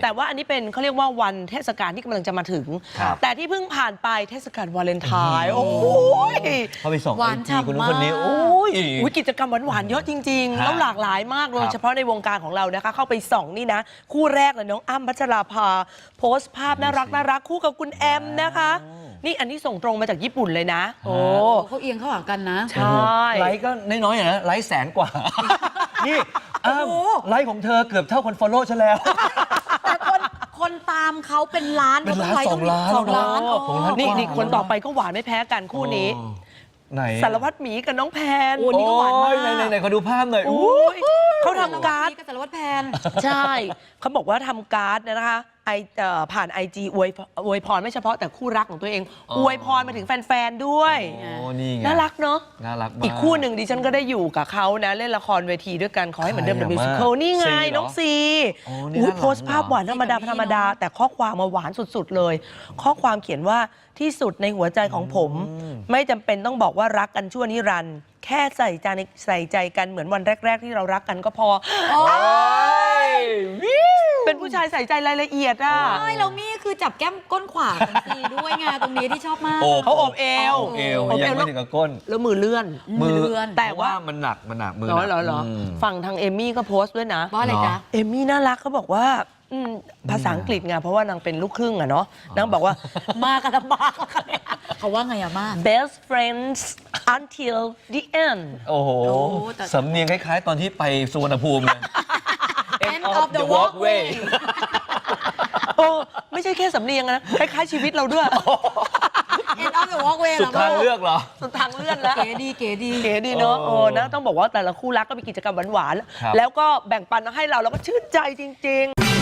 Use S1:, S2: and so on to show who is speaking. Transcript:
S1: แต่ว่าอันนี้เป็นเขาเรียกว่าวันเทศกาลที่กำลังจะมาถึงแต่ที่เพิ่งผ่านไปเทศกาลวาเลนไทน์โอ้ย
S2: เขาไปส่งไอจีคนนู้นคนนี้โอ้ย
S1: กิจกรรมหวานๆเยอะจริงๆแล้วหลากหลายมากโดยเฉพาะในวงการของเรานะคะเข้าไปส่องนี่นะคู่แรกเลยน้องอ้ำพัชราภาโพสต์ภาพน่ารักคู่กับคุณแอมนะคะนี่อันนี้ส่งตรงมาจากญี่ปุ่นเลยนะโอ้
S3: เขาเอียงเข้าหากันนะ
S1: ใช่
S2: ไลค์ก็น้อยๆนะไลค์100,000 กว่านี่ไลค์ของเธอเกือบเท่าคนฟอลโล่ฉันแล้ว
S3: แต่คนตามเขาเป็นล้าน
S2: เป็นล้าน2 ล้าน
S1: นี่คนต่อไปก็หวานไม่แพ้กันคู่นี้
S2: ไหน
S1: สารวัตรหมีกับน้องแพน
S3: โอ้นี่ก็หวานมาก
S2: ไหนขอดูภาพหน่อย
S1: เขาทำการ์ด
S3: กับสารวัตรแพน
S1: ใช่เขาบอกว่าทำการ์ดนะคะผ่าน IG อวยพรไม่เฉพาะแต่คู่รักของตัวเองอวยพรมาถึงแฟนๆด้วยน่ารักเนาะ
S2: น่ารัก
S1: อีกคู่หนึ่งดิฉันก็ได้อยู่กับเขานะเล่นละครเวทีด้วยกันขอให้เหมือนเดิม The Musical นี่ไงน้องซีโพสต์ภาพหวานธรรมดาแต่ข้อความมาหวานสุดๆเลยข้อความเขียนว่าที่สุดในหัวใจของผมไม่จำเป็นต้องบอกว่ารักกันชั่วนิรันดร์แค่ใส่ใจกันเหมือนวันแรกๆที่เรารักกันก็พอเป็นผู้ชายใส่ใจรายละเอียดอ่ะ
S3: ใช่แล้วมี่คือจับแก้มก้นขวาของซีด้วยไงตรงนี้ที่ชอบมาก
S1: เขาอบเอว
S2: ยังไม่ถึงกับก้น
S1: แล้วมือเลื่อน
S2: แต่ว่ามันหนักมือ
S1: เหรอฝั่งทางเอมมี่ก็โพสต์ด้วยนะ
S3: ว่าอะไรจ๊ะ
S1: เอมมี่น่ารักเขาบอกว่าภาษาอังกฤษไงเพราะว่านางเป็นลูกครึ่งอะเนาะนางบอกว่า
S3: มากันลำบากเขาว่าไงอะมา
S1: best friends until the end
S2: โอ้โหสำเนียงคล้ายๆตอนที่ไปสุวรรณภูมิเลย
S3: end of the walkway
S1: โอ้ไม่ใช่แค่สำเนียงนะคล้ายๆชีวิตเราด้วย
S3: end of the walkway
S2: สุดทางเลือกเหรอ
S1: สุดทางเลือกแล้ว
S3: เก๋ดี
S1: เนาะนะต้องบอกว่าแต่ละคู่รักก็มีกิจกรรมหวานๆแล้วก็แบ่งปันมาให้เราแล้วก็ชื่นใจจริงๆ